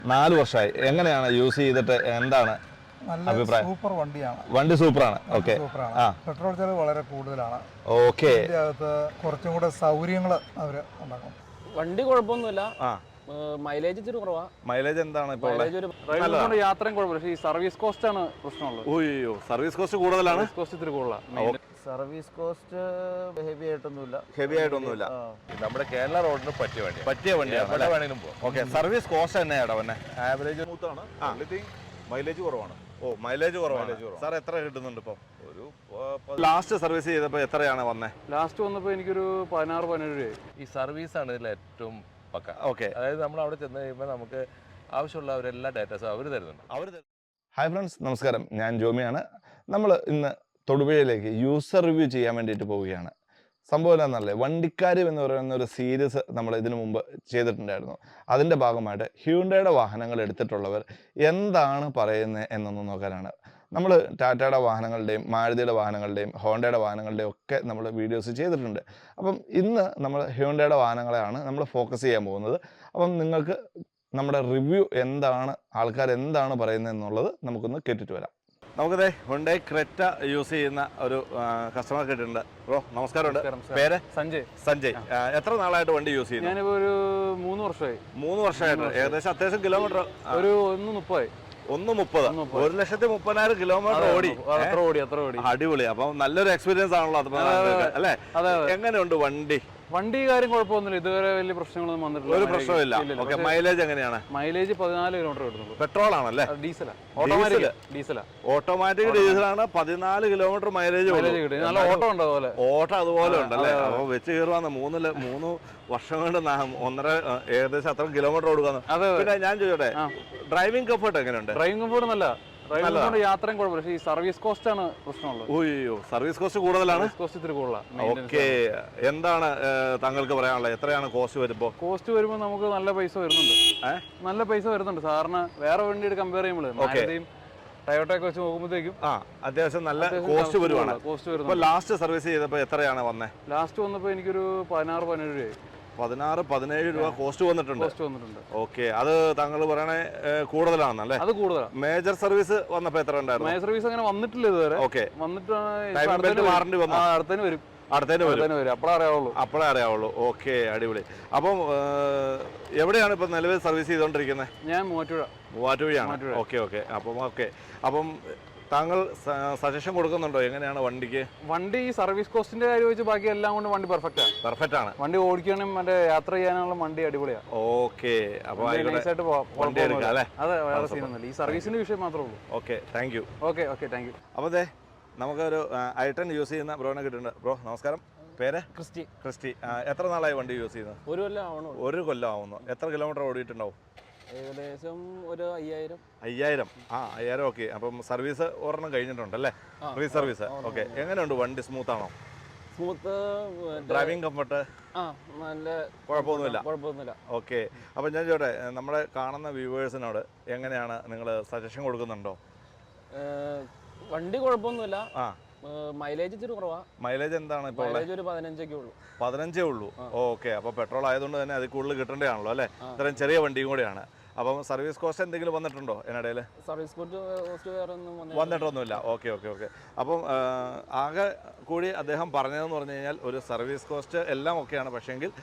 4 വർഷമായി. എങ്ങനെയാണ് യൂസ് ചെയ്തിട്ട് എന്താണ് അഭിപ്രായം? സൂപ്പർ വണ്ടിയാണ്. വണ്ടി സൂപ്പറാണ്. ഓക്കെ. പെട്രോൾ ചെലവ് വളരെ കൂടുതലാണ്. ഓക്കെ. ഇതിനകത്ത് കുറച്ചും കൂടെ സൗകര്യങ്ങൾ അവർ ഉണ്ടാക്കും. വണ്ടി കുഴപ്പമൊന്നുമില്ല. മൈലേജ് ഇച്ചിരി കുറവാ. മൈലേജ് എന്താണ് ഇപ്പോൾ? യാത്രയും കുഴപ്പമില്ല. പക്ഷേ ഈ സർവീസ് കോസ്റ്റ് ആണ് പ്രശ്നമുള്ളത്. ഓയ്യോ, സർവീസ് കോസ്റ്റ് കൂടുതലാണ്. കോസ്റ്റ് ഇത്തിരി കൂടുതലാണ്. സർവീസ് കോസ്റ്റ് ഹെവി ആയിട്ടൊന്നുമില്ല. ഹെവി ആയിട്ടൊന്നുമില്ല. നമ്മുടെ കേരള റോഡിന് പറ്റിയ വണ്ടിയാണ്. ഓക്കെ. സർവീസ് കോസ്റ്റ് തന്നെയാണോ പിന്നെ? ആവറേജ് മൂത്താണ്. മൈലേജ് കുറവാണ്. ഓ, മൈലേജ് കുറവാണ്. സാർ എത്ര കിട്ടുന്നുണ്ട് ഇപ്പം? ഒരു ലാസ്റ്റ് സർവീസ് ചെയ്തപ്പോൾ എത്രയാണ് വന്നത്? ലാസ്റ്റ് വന്നപ്പോൾ എനിക്കൊരു 16-17 രൂപയായി. ഈ സർവീസാണ് ഇതിൽ ഏറ്റവും പക്ക. ഓക്കെ. അതായത് നമ്മൾ അവിടെ ചെന്ന് കഴിയുമ്പോൾ നമുക്ക് ആവശ്യമുള്ള അവരെല്ലാ ഡാറ്റാസും അവർ തരുന്നുണ്ട്. ഹായ് ഫ്രണ്ട്സ്, നമസ്കാരം. ഞാൻ ജോമിയാണ്. നമ്മൾ ഇന്ന് തൊടുപുഴയിലേക്ക് യൂസർ റിവ്യൂ ചെയ്യാൻ വേണ്ടിയിട്ട് പോവുകയാണ്. സംഭവം എന്താണെന്നല്ലേ, വണ്ടിക്കാര്യം എന്ന് പറയുന്ന ഒരു സീരീസ് നമ്മൾ ഇതിനു മുമ്പ് ചെയ്തിട്ടുണ്ടായിരുന്നു. അതിൻ്റെ ഭാഗമായിട്ട് ഹ്യൂണ്ടയുടെ വാഹനങ്ങൾ എടുത്തിട്ടുള്ളവർ എന്താണ് പറയുന്നത് എന്നൊന്ന് നോക്കാനാണ്. നമ്മൾ ടാറ്റയുടെ വാഹനങ്ങളുടെയും മാരുതിയുടെ വാഹനങ്ങളുടെയും ഹോണ്ടയുടെ വാഹനങ്ങളുടെയും ഒക്കെ നമ്മൾ വീഡിയോസ് ചെയ്തിട്ടുണ്ട്. അപ്പം ഇന്ന് നമ്മൾ ഹ്യൂണ്ടയുടെ വാഹനങ്ങളെയാണ് നമ്മൾ ഫോക്കസ് ചെയ്യാൻ പോകുന്നത്. അപ്പം നിങ്ങൾക്ക് നമ്മുടെ റിവ്യൂ എന്താണ്, ആൾക്കാർ എന്താണ് പറയുന്നത് എന്നുള്ളത് നമുക്കൊന്ന് കേട്ടിട്ട് വരാം. നമുക്കതേ ഹ്യുണ്ടായി ക്രെറ്റ യൂസ് ചെയ്യുന്ന ഒരു കസ്റ്റമർ കിട്ടിയിട്ടുണ്ട്. ബ്രോ നമസ്കാരമുണ്ട്. പേര്? സഞ്ജയ്. എത്ര നാളായിട്ട് വണ്ടി യൂസ് ചെയ്യുന്നു? ഞാനിപ്പോൾ ഒരു 3 വർഷമായി. 3 വർഷമായിട്ട്. ഏകദേശം അത്യാവശ്യം കിലോമീറ്റർ ഒരു 1:30. 1,30,000 കിലോമീറ്റർ ഓടി. അടിപൊളി. അപ്പം നല്ലൊരു എക്സ്പീരിയൻസ് ആണല്ലോ അത്, അല്ലേ? എങ്ങനെയുണ്ട് വണ്ടി കാര്യം കുഴപ്പമൊന്നുമില്ല. ഇതുവരെ വലിയ പ്രശ്നങ്ങളൊന്നും വന്നിട്ടില്ല. ഒരു പ്രശ്നമില്ല. ഓക്കെ. മൈലേജ് എങ്ങനെയാണ്? മൈലേജ് 14 കിലോമീറ്റർ കിട്ടുന്നുള്ളൂ. പെട്രോൾ ആണല്ലേ? ഡീസലാ. ഓട്ടോമാറ്റിക് ഡീസലാണ്. 14 കിലോമീറ്റർ മൈലേജ് കിട്ടും. നല്ല ഓട്ടം ഉണ്ട്. ഓട്ടം അതുപോലെ ഉണ്ടല്ലേ? അപ്പൊ വെച്ച് കയറുവാന്ന് 3 വർഷം കൊണ്ട് ഏകദേശം അത്ര കിലോമീറ്റർ ഓടുകാന്ന്. പിന്നെ ഞാൻ ചോദിച്ചോട്ടെ, ഡ്രൈവിംഗ് കംഫർട്ട് എങ്ങനെയുണ്ട്? ഡ്രൈവിംഗ് കംഫർട്ട് നല്ല യാത്രയും കുഴപ്പമില്ല. പക്ഷേ ഈ സർവീസ് കോസ്റ്റ് ആണ് പ്രശ്നമുള്ളത്. ഓയ്യോ, സർവീസ് കോസ്റ്റ് കൂടുതലാണ്. കോസ്റ്റ് ഇത്തിരി കൂടുതലാണ്. ഓക്കെ. എന്താണ് താങ്കൾക്ക് പറയാനുള്ളത്? എത്രയാണ് കോസ്റ്റ് വരുമ്പോൾ? കോസ്റ്റ് വരുമ്പോൾ നമുക്ക് നല്ല പൈസ വരുന്നുണ്ട്. സാറിന് വേറെ വണ്ടിയുടെ കമ്പയർ ചെയ്യുമ്പോൾ ടയോട്ടയൊക്കെ വെച്ച് നോക്കുമ്പോഴത്തേക്കും അത്യാവശ്യം നല്ല കോസ്റ്റ് വരുവാണ്. ലാസ്റ്റ് സർവീസ് ചെയ്തപ്പോൾ എത്രയാണ് വന്നത്? ലാസ്റ്റ് വന്നപ്പോൾ എനിക്കൊരു 16-17 രൂപയായി. 16-17 രൂപ കോസ്റ്റ് വന്നിട്ടുണ്ട്. ഓക്കെ. അത് താങ്കൾ പറയണേ കൂടുതലാണെന്നല്ലേ? അത് കൂടുതലാണ്. മേജർ സർവീസ് വന്നപ്പോ എത്ര ഉണ്ടായിരുന്നു? മേജർ സർവീസ് അങ്ങനെ വന്നിട്ടില്ല ഇതുവരെ. ഓക്കെ. വന്നിട്ട് അടുത്തതിന് വരും. അപ്പോഴേ അറിയാവുള്ളൂ. ഓക്കെ, അടിപൊളി. അപ്പം എവിടെയാണ് ഇപ്പൊ നിലവിൽ സർവീസ് ചെയ്തോണ്ടിരിക്കുന്നത്? ഞാൻ മൂവാറ്റുപുഴയാണ്. അപ്പം താങ്കൾ സജഷൻ കൊടുക്കുന്നുണ്ടോ എങ്ങനെയാണ് വണ്ടിക്ക്? വണ്ടി സർവീസ് കോസ്റ്റിന്റെ കാര്യം വെച്ച് ബാക്കി എല്ലാം കൊണ്ട് വണ്ടി പെർഫെക്റ്റ് ആണ്. വണ്ടി ഓടിക്കണം, മറ്റേ യാത്ര ചെയ്യാനുള്ള വണ്ടി അടിപൊളിയാണ്. ഓക്കെ. അപ്പൊ വണ്ടി എടുക്കാം അല്ലേ? അതെ, വേറെ സീനൊന്നുമില്ല. ഈ സർവീസിന്റെ വിഷയം മാത്രമേ ഉള്ളൂ. Okay, thank you. ഓക്കെ. അപ്പൊ നമുക്കൊരു i10 യൂസ് ചെയ്യുന്ന ബ്രോനെ കിട്ടുന്നുണ്ട്. ബ്രോ നമസ്കാരം. പേര്? ക്രിസ്റ്റി. എത്ര നാളായി വണ്ടി യൂസ് ചെയ്യുന്നത്? 1 കൊല്ലം ആവുന്നു. എത്ര കിലോമീറ്റർ ഓടിയിട്ടുണ്ടാവും? ഏകദേശം ഒരു 5000. 5000. ഓക്കെ. അപ്പം സർവീസ് ഒരെണ്ണം കഴിഞ്ഞിട്ടുണ്ടല്ലേ? Free service. ഓക്കെ. എങ്ങനെയുണ്ട് വണ്ടി? സ്മൂത്ത് ആണോ? ഡ്രൈവിംഗ് കംഫർട്ട് നല്ല കുഴപ്പമൊന്നുമില്ല. ഓക്കെ. അപ്പം ഞാൻ ചോട്ടെ, നമ്മളെ കാണുന്ന വ്യൂവേഴ്സിനോട് എങ്ങനെയാണ് നിങ്ങൾ സജഷൻ കൊടുക്കുന്നുണ്ടോ? വണ്ടി കുഴപ്പമൊന്നുമില്ല. മൈലേജ് ഇച്ചിരി കുറവാ. മൈലേജ് എന്താണ് ഇപ്പോൾ? ഒരു 15 ഉള്ളൂ. 15 ഉള്ളൂ. ഓക്കെ. അപ്പോൾ പെട്രോൾ ആയതുകൊണ്ട് തന്നെ അതിൽ കൂടുതൽ കിട്ടേണ്ടതാണല്ലോ അല്ലേ? ഇത്രയും ചെറിയ വണ്ടിയും കൂടെയാണ്. അപ്പം സർവീസ് കോസ്റ്റ് എന്തെങ്കിലും വന്നിട്ടുണ്ടോ ഇതിനിടയിൽ? സർവീസ് കോസ്റ്റ് വന്നിട്ടൊന്നുമില്ല. ഓക്കെ. അപ്പം ആകെ കൂടി അദ്ദേഹം പറഞ്ഞതെന്ന് പറഞ്ഞു കഴിഞ്ഞാൽ ഒരു സർവീസ് കോസ്റ്റ് എല്ലാം ഓക്കെയാണ്. പക്ഷേങ്കിൽ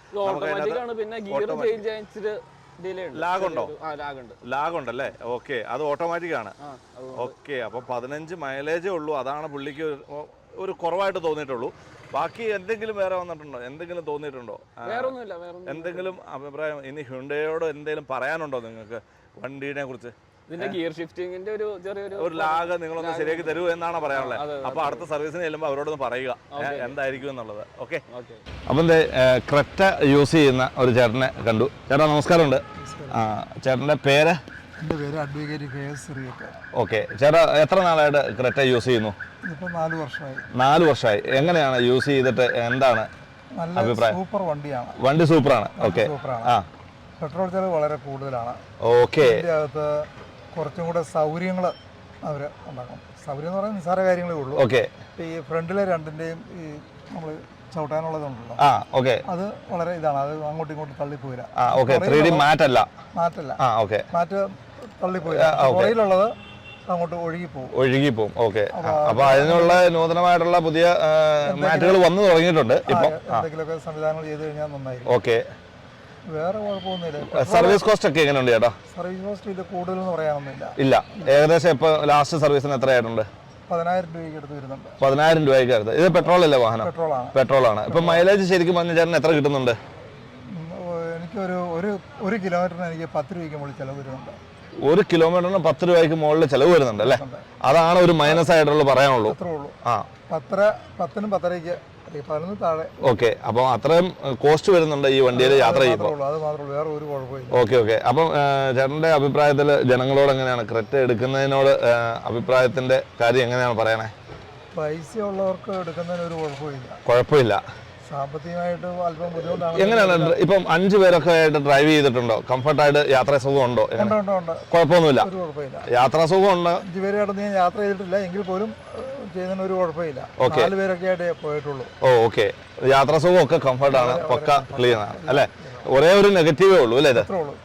ലാഗുണ്ടല്ലേ? ഓക്കെ. അത് ഓട്ടോമാറ്റിക് ആണ്. ഓക്കെ. അപ്പൊ 15 മൈലേജേ ഉള്ളൂ. അതാണ് പുള്ളിക്ക് ഒരു കുറവായിട്ട് തോന്നിയിട്ടുള്ളൂ. ബാക്കി എന്തെങ്കിലും വേറെ വന്നിട്ടുണ്ടോ? എന്തെങ്കിലും തോന്നിയിട്ടുണ്ടോ? എന്തെങ്കിലും അഭിപ്രായം ഇനി ഹ്യുണ്ടായോട് എന്തെങ്കിലും പറയാനുണ്ടോ നിങ്ങൾക്ക് വണ്ടീനെ കുറിച്ച്? ഗിയർ ഷിഫ്റ്റിംഗിന്റെ ഒരു ലാഗ് നിങ്ങളൊന്ന് ശരിയാക്കി തരൂ എന്നാണ് പറയാനുള്ളത്. അപ്പൊ അടുത്ത സർവീസിന് ചെല്ലുമ്പോൾ അവരോടൊന്ന് പറയുക എന്തായിരിക്കും എന്നുള്ളത്. ഓക്കെ. അപ്പം ക്രെറ്റ യൂസ് ചെയ്യുന്ന ഒരു ചേട്ടനെ കണ്ടു. ചേട്ടാ നമസ്കാരമുണ്ട്. ചേട്ടൻ്റെ പേര്? എൻ്റെ പേര് അഡ്വക്കേറ്റ് KS. ഓക്കെ. ചേട്ടാ എത്ര നാളായിട്ട് ക്രെറ്റ യൂസ് ചെയ്യുന്നു? 4 വർഷമായി. എങ്ങനെയാണ് യൂസ് ചെയ്തിട്ട് എന്താണ് അഭിപ്രായം? സൂപ്പർ വണ്ടിയാണ്. വണ്ടി സൂപ്പറാണ്. ഓക്കെ. പെട്രോൾ ചെലവ് വളരെ കൂടുതലാണ്. ഓക്കെ. ഇതിനകത്ത് കുറച്ചും കൂടെ സൗകര്യങ്ങൾ അവർ ഉണ്ടാക്കും. സൗകര്യം എന്ന് പറയുന്നത് നിസ്സാര കാര്യങ്ങളേ ഉള്ളൂ. ഓക്കെ. ഈ ഫ്രണ്ടിലെ രണ്ടിൻ്റെയും ഈ നമ്മൾ ചവിട്ടാനുള്ളതുണ്ടല്ലോ, ആ ഓക്കെ അത് വളരെ ഇതാണ്. അത് അങ്ങോട്ടും ഇങ്ങോട്ടും തള്ളിപ്പോയില്ല. ആ ഓക്കെ 3D മാറ്റല്ല. മാറ്റല്ല, ആ ഓക്കെ മാറ്റ് തള്ളിപ്പോയില്ല. പുറയിലുള്ളത് അങ്ങോട്ട് ഒഴുകിപ്പോവും. ഓക്കെ. അപ്പൊ അതിനുള്ള നൂതനമായിട്ടുള്ള പുതിയ മാറ്റുകൾ വന്നു തുടങ്ങിയിട്ടുണ്ട് ഇപ്പൊ. എന്തെങ്കിലുമൊക്കെ സംവിധാനങ്ങൾ ചെയ്ത് കഴിഞ്ഞാൽ നന്നായിരിക്കും. ഓക്കെ. വേറെ കുഴപ്പമൊന്നുമില്ല. സർവീസ് കോസ്റ്റ് ഒക്കെ എങ്ങനെയുണ്ട് ചേട്ടാ? സർവീസ് കോസ്റ്റ് ഇത് കൂടുതലെന്ന് പറയാനൊന്നുമില്ല. ഇല്ല, ഏകദേശം ഇപ്പൊ ലാസ്റ്റ് സർവീസിന് എത്രയായിട്ടുണ്ട്? 10,000 രൂപയ്ക്ക് അടുത്ത് വരുന്നുണ്ട്. 10,000 രൂപയ്ക്ക് അടുത്ത്. ഇത് പെട്രോൾ അല്ലേ വാഹനം? പെട്രോളാണ്. ഇപ്പൊ മൈലേജ് ശരിക്കും പറഞ്ഞ ചേട്ടന് എത്ര കിട്ടുന്നുണ്ട്? എനിക്കൊരു ഒരു കിലോമീറ്ററിന് എനിക്ക് 10 രൂപയ്ക്ക് മുകളിൽ ചിലവ് വരുന്നുണ്ട്. 1 കിലോമീറ്ററിന് 10 രൂപയ്ക്ക് മുകളിൽ ചിലവ് വരുന്നുണ്ട് അല്ലേ? അതാണ് ഒരു മൈനസ് ആയിട്ടുള്ള പറയാനുള്ളൂ. അത്രേ ഉള്ളൂ. ആ 10നും 10:30ക്ക് 11 താഴെ. ഓക്കെ. അപ്പം അത്രയും കോസ്റ്റ് വരുന്നുണ്ട് ഈ വണ്ടിയിൽ യാത്ര ചെയ്യുമ്പോൾ. അത് മാത്രമേ ഉള്ളൂ, വേറെ ഒരു കുഴപ്പമില്ല. ഓക്കെ. അപ്പം ചേട്ടൻ്റെ അഭിപ്രായത്തിൽ ജനങ്ങളോട് എങ്ങനെയാണ് ക്രെറ്റ എടുക്കുന്നതിനോട് അഭിപ്രായത്തിന്റെ കാര്യം എങ്ങനെയാണ് പറയണേ? പൈസ ഉള്ളവർക്ക് എടുക്കുന്നതിന് ഒരു കുഴപ്പമില്ല. സാമ്പത്തികമായിട്ട് അല്പം ബുദ്ധിമുട്ടാണ്. എങ്ങനെയാണ് ഇപ്പം 5 പേരൊക്കെ ആയിട്ട് ഡ്രൈവ് ചെയ്തിട്ടുണ്ടോ? കംഫർട്ടായിട്ട് യാത്രാ സുഖം ഉണ്ടോ? കുഴപ്പമൊന്നുമില്ല, യാത്രാ സുഖം ഉണ്ട്. 5 പേരായിട്ട് ഞാൻ യാത്ര ചെയ്തിട്ടില്ല, എങ്കിൽ പോലും ചെയ്യുന്നതിന് ഒരു കുഴപ്പമില്ല. 4 പേരൊക്കെ ആയിട്ട് പോയിട്ടുള്ളൂ. ഓക്കെ. യാത്രാ സുഖം ഒക്കെ കംഫർട്ടാണ്, പക്ക ക്ലീൻ ആണ് അല്ലേ? ഒരേ ഒരു നെഗറ്റീവേ ഉള്ളൂ അല്ലേ ഇത്?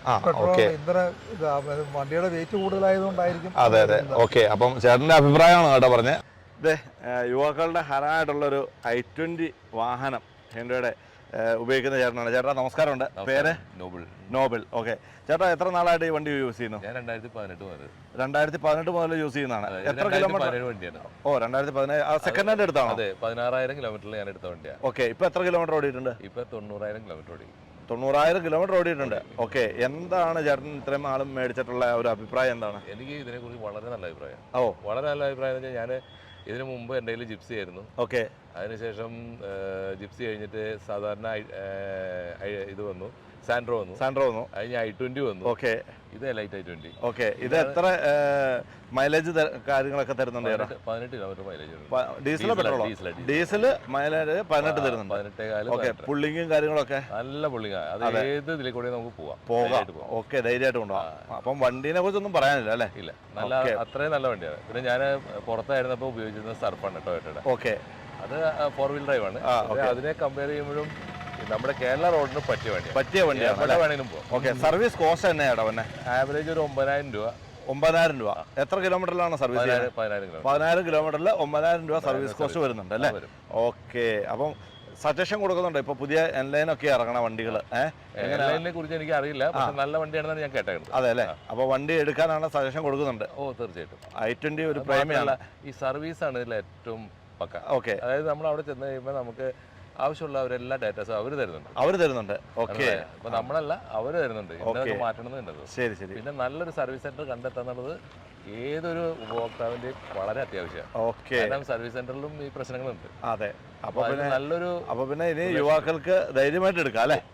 വണ്ടിയുടെ വെയിറ്റ് കൂടുതലായതുകൊണ്ടായിരിക്കും. അതെ. ഓക്കെ. അപ്പം ചേട്ടന്റെ അഭിപ്രായമാണ് കേട്ടോ പറഞ്ഞത്. ഇതേ യുവാക്കളുടെ ഹരമായിട്ടുള്ളൊരു i20 വാഹനം ഹെൻഡ്രയുടെ ഉപയോഗിക്കുന്ന ചേട്ടനാണ്. ചേട്ടാ നമസ്കാരമുണ്ട്. പേര്? നോബിൾ. ഓക്കെ. ചേട്ടാ എത്ര നാളായിട്ട് ഈ വണ്ടി യൂസ് ചെയ്യുന്നു? ഞാൻ 2018 മുതൽ യൂസ് ചെയ്യുന്നതാണ്. എത്ര കിലോമീറ്റർ വണ്ടിയാണ്? ഓ 2017. സെക്കൻഡ് ഹാൻഡ് എടുത്താണോ? അതെ, 16,000 കിലോമീറ്ററിൽ ഞാൻ എടുത്ത വണ്ടിയാണ്. ഓക്കെ. ഇപ്പൊ എത്ര കിലോമീറ്റർ ഓടിയിട്ടുണ്ട്? ഇപ്പൊ 90,000 കിലോമീറ്റർ ഓടി. 90,000 കിലോമീറ്റർ ഓടിയിട്ടുണ്ട്. ഓക്കെ. എന്താണ് ചേട്ടൻ ഇത്രയും ആളും മേടിച്ചിട്ടുള്ള ഒരു അഭിപ്രായം എന്താണ്? എനിക്ക് ഇതിനെക്കുറിച്ച് വളരെ നല്ല അഭിപ്രായം. ഓ വളരെ നല്ല അഭിപ്രായം എന്ന് വെച്ചാൽ ഞാൻ ഇതിനു മുമ്പ് എൻ്റെ കയ്യിൽ ജിപ്സി ആയിരുന്നു. ഓക്കെ. അതിനുശേഷം ജിപ്സി കഴിഞ്ഞിട്ട് സാധാരണ ഇത് വന്നു, സാൻഡ്രോ വന്നു. അതിന് i20 വന്നു. ഓക്കെ. ഇത് ലൈറ്റ് i20. ഓക്കെ. ഇത് എത്ര മൈലേജ് കാര്യങ്ങളൊക്കെ തരുന്നുണ്ട്? 18 കിലോമീറ്റർ മൈലേജ്. ഡീസലോ പെട്രോളോ? ഡീസൽ മൈലേജ് 18 തരുന്നുണ്ട്. 18 പുള്ളിങ്ങും കാര്യങ്ങളൊക്കെ നല്ല പുള്ളിങ്ങ. അത് ഏത് ഇതിൽ കൂടെ നമുക്ക് പോകാം. ഓക്കെ. ധൈര്യമായിട്ട് കൊണ്ടുപോകാം. അപ്പം വണ്ടീനെ കുറിച്ചൊന്നും പറയാനില്ല അല്ലേ? ഇല്ല, നല്ല അത്രയും നല്ല വണ്ടിയാണ്. പിന്നെ ഞാൻ പുറത്തായിരുന്നപ്പോൾ ഉപയോഗിച്ചിരുന്ന സർഫാണ് ടൊയോട്ടയുടെ. ഓക്കെ. അത് 4 വീൽ ഡ്രൈവ് ആണ്. അതിനെ കമ്പയർ ചെയ്യുമ്പോഴും നമ്മുടെ കേരള റോഡിന് പറ്റിയ വണ്ടിയാണ്. എവിടെ വേണമെങ്കിലും പോകും. ഓക്കെ. സർവീസ് കോസ്റ്റ് തന്നെയാണോ? പിന്നെ ആവറേജ് ഒരു 9,000 രൂപ. 9,000 രൂപ. എത്ര കിലോമീറ്ററിലാണ് സർവീസ്? 10,000 കിലോമീറ്ററിൽ 9,000 രൂപ സർവീസ് കോസ്റ്റ് വരുന്നുണ്ട് അല്ലേ? ഓക്കെ. അപ്പം സജഷൻ കൊടുക്കുന്നുണ്ട് ഇപ്പൊ പുതിയ എൻലൈനൊക്കെ ഇറങ്ങണ വണ്ടികൾ? എൻലൈനിനെ കുറിച്ച് എനിക്ക് അറിയില്ല, പക്ഷെ നല്ല വണ്ടിയാണെന്നാണ് ഞാൻ കേട്ടത്. അതെ അല്ലേ? അപ്പൊ വണ്ടി എടുക്കാനാണ് സജഷൻ കൊടുക്കുന്നുണ്ട്. ഓ തീർച്ചയായിട്ടും. i20 ഒരു പ്രേമിയാണ്. ഈ സർവീസ് ആണ് ഇതിൽ ഏറ്റവും പക്ക. ഓക്കെ. അതായത് നമ്മൾ അവിടെ ചെന്ന് കഴിയുമ്പോൾ നമുക്ക് ആവശ്യമുള്ള എല്ലാ അവർ തരുന്നുണ്ട്. ഓക്കെ. അപ്പൊ നമ്മളല്ല, അവർ തരുന്നുണ്ട്. ഇതൊക്കെ മാറ്റണമെന്നുണ്ട്. ശരി. പിന്നെ നല്ലൊരു സർവീസ് സെന്റർ കണ്ടെത്താന്നുള്ളത് ഏതൊരു ഉപഭോക്താവിന്റെയും വളരെ അത്യാവശ്യമാണ്. ഓക്കെ. കാരണം സർവീസ് സെന്ററിലും ഈ പ്രശ്നങ്ങളുണ്ട്. അതെ. അപ്പൊ പിന്നെ ഇനി ഒരു യുവാക്കൾക്ക് ധൈര്യമായിട്ട് എടുക്കാം അല്ലേ?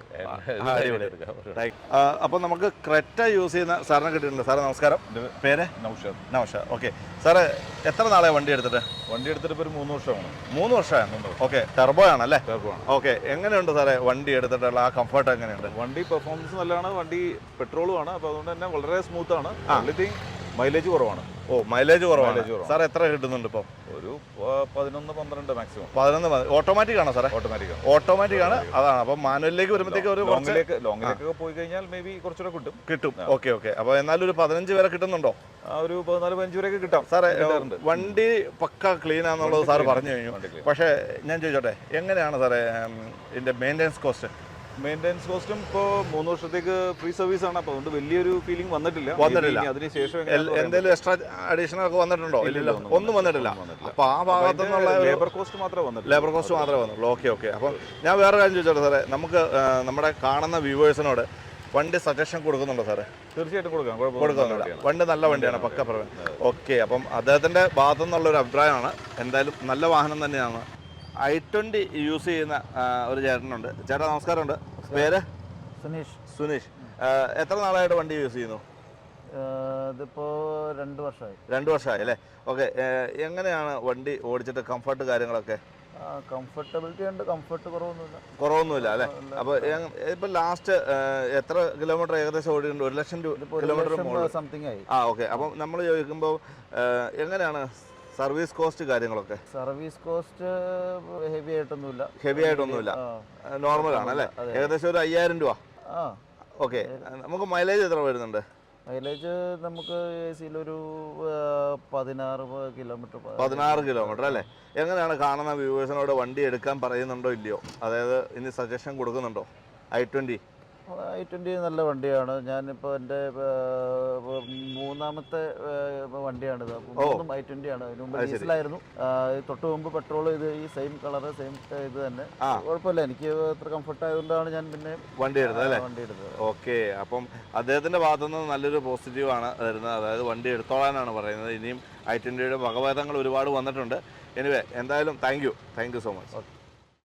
അപ്പൊ നമുക്ക് ക്രെറ്റ യൂസ് ചെയ്യുന്ന സാറിനെ കിട്ടിയിട്ടുണ്ട്. സാറേ നമസ്കാരം. പേര്? നൗഷാദ്. ഓക്കെ. സാറ് എത്ര നാളെ വണ്ടി എടുത്തിട്ട്? ഇപ്പൊ ഒരു 3 വർഷമാണ്. 3 വർഷമാണ്. ഓക്കെ. ടെർബോ ആണല്ലേ? ഓക്കെ. എങ്ങനെയുണ്ട് സാറേ വണ്ടി എടുത്തിട്ടുള്ള ആ കംഫർട്ട് എങ്ങനെയുണ്ട്? വണ്ടി പെർഫോമൻസ് നല്ലതാണ്. വണ്ടി പെട്രോളും ആണ്. അപ്പൊ അതുകൊണ്ട് തന്നെ വളരെ സ്മൂത്ത് ആണ്. മൈലേജ് കുറവാണ്. ഓ മൈലേജ് കുറവാണ്. സാർ എത്ര കിട്ടുന്നുണ്ട് ഇപ്പം? ഒരു 11-12 മാക്സിമം. 11. ഓട്ടോമാറ്റിക് ആണോ സാറേ? ഓട്ടോമാറ്റിക് ആണ്. അതാണ്. അപ്പം മാനുവലിലേക്ക് വരുമ്പോഴത്തേക്ക് ഒരു ലോങ്ങിലേക്കൊക്കെ പോയി കഴിഞ്ഞാൽ മേ ബി കുറച്ചുകൂടെ കിട്ടും. ഓക്കെ. അപ്പം എന്നാലും ഒരു 15 വരെ കിട്ടുന്നുണ്ടോ? ഒരു 14-15 വരെയൊക്കെ കിട്ടാം സാറേ. വണ്ടി പക്ക ക്ലീൻ ആണെന്നുള്ളത് സാർ പറഞ്ഞു കഴിഞ്ഞു. പക്ഷേ ഞാൻ ചോദിച്ചോട്ടെ, എങ്ങനെയാണ് സാറേ ഇതിന്റെ മെയിൻ്റെനൻസ് കോസ്റ്റ്? മെയിൻ്റെനൻസ് കോസ്റ്റും ഇപ്പോൾ 3 വർഷത്തേക്ക് ഫ്രീ സർവീസ് ആണ്. അപ്പോൾ അതുകൊണ്ട് വലിയൊരു ഫീലിംഗ് വന്നിട്ടില്ല. അതിനുശേഷം എന്തെങ്കിലും എക്സ്ട്രാ അഡീഷണൽ ഒക്കെ വന്നിട്ടുണ്ടോ? ഇല്ല, ഒന്നും വന്നിട്ടില്ല. അപ്പോൾ ആ ഭാഗത്തു നിന്നുള്ള ലേബർ കോസ്റ്റ് മാത്രമേ വന്നുള്ളൂ. ഓക്കെ. അപ്പം ഞാൻ വേറെ കാര്യം ചോദിച്ചോട്ടെ സാറേ, നമുക്ക് നമ്മുടെ കാണുന്ന വ്യൂവേഴ്സിനോട് വണ്ടി സജഷൻ കൊടുക്കുന്നുണ്ടോ സാറേ? തീർച്ചയായിട്ടും കൊടുക്കുന്നില്ല. വണ്ടി നല്ല വണ്ടിയാണ്, പക്ക പ്രവൻ. ഓക്കെ. അപ്പം അദ്ദേഹത്തിന്റെ ഭാഗത്തു നിന്നുള്ളൊരു അഭിപ്രായമാണ്. എന്തായാലും നല്ല വാഹനം തന്നെയാണ്. i20 യൂസ് ചെയ്യുന്ന ഒരു ചേട്ടനുണ്ട്. ചേട്ടാ നമസ്കാരമുണ്ട്. പേര്? സുനീഷ്. എത്ര നാളായിട്ട് വണ്ടി യൂസ് ചെയ്യുന്നു? ഇതിപ്പോ 2 വർഷമായി. 2 വർഷമായി അല്ലേ? ഓക്കെ. എങ്ങനെയാണ് വണ്ടി ഓടിച്ചിട്ട് കംഫർട്ട് കാര്യങ്ങളൊക്കെ? കംഫർട്ടബിലിറ്റി ഉണ്ട്. കംഫർട്ട് കുറവൊന്നുമില്ല അല്ലേ? അപ്പോൾ ഇപ്പൊ ലാസ്റ്റ് എത്ര കിലോമീറ്റർ ഏകദേശം ഓടിയിട്ടുണ്ട്? 1,00,000 കിലോമീറ്റർ സംതിങ് ആയി. ഓക്കെ. അപ്പം നമ്മൾ ചോദിക്കുമ്പോൾ എങ്ങനെയാണ് സർവീസ് കോസ്റ്റ് കാര്യങ്ങളൊക്കെ സർവീസ് കോസ്റ്റ് ഹെവി ആയിട്ടൊന്നുമില്ല. ഹെവി ആയിട്ടൊന്നുമില്ല, നോർമൽ ആണ് അല്ലേ? ഏകദേശം ഒരു 5000 രൂപ. ആ ഓക്കെ. നമുക്ക് മൈലേജ് എത്ര വരുന്നുണ്ട്? മൈലേജ് നമുക്ക് AC-യിലൊരു 16 കിലോമീറ്റർ. 16 കിലോമീറ്റർ അല്ലേ? എങ്ങനെയാണ് കാണുന്ന വ്യൂവേഴ്സിനോട് വണ്ടി എടുക്കാൻ പറയുന്നുണ്ടോ ഇല്ലയോ? അതായത് ഇനി സജഷൻ കൊടുക്കുന്നുണ്ടോ? i20 നല്ല വണ്ടിയാണ്. ഞാനിപ്പോൾ എൻ്റെ മൂന്നാമത്തെ വണ്ടിയാണിത്. മൂന്നും i20 ആണ്. അതിന് മുമ്പ് ഡീസലായിരുന്നു. തൊട്ട് മുമ്പ് പെട്രോൾ ഇത് ഈ സെയിം കളറ് സെയിം ഇത് തന്നെ. കുഴപ്പമില്ല, എനിക്ക് അത്ര കംഫർട്ട് ആയതുകൊണ്ടാണ് ഞാൻ പിന്നെ വണ്ടി എടുത്തത് അല്ലേ? വണ്ടി എടുത്തത്. ഓക്കെ. അപ്പം അദ്ദേഹത്തിന്റെ ഭാഗത്തുനിന്ന് നല്ലൊരു പോസിറ്റീവാണ് വരുന്നത്. അതായത് വണ്ടി എടുത്തോളാനാണ് പറയുന്നത്. ഇനിയും i20യുടെ വകഭേദങ്ങൾ ഒരുപാട് വന്നിട്ടുണ്ട്. എനിവേ എന്തായാലും താങ്ക് യു സോ മച്ച്.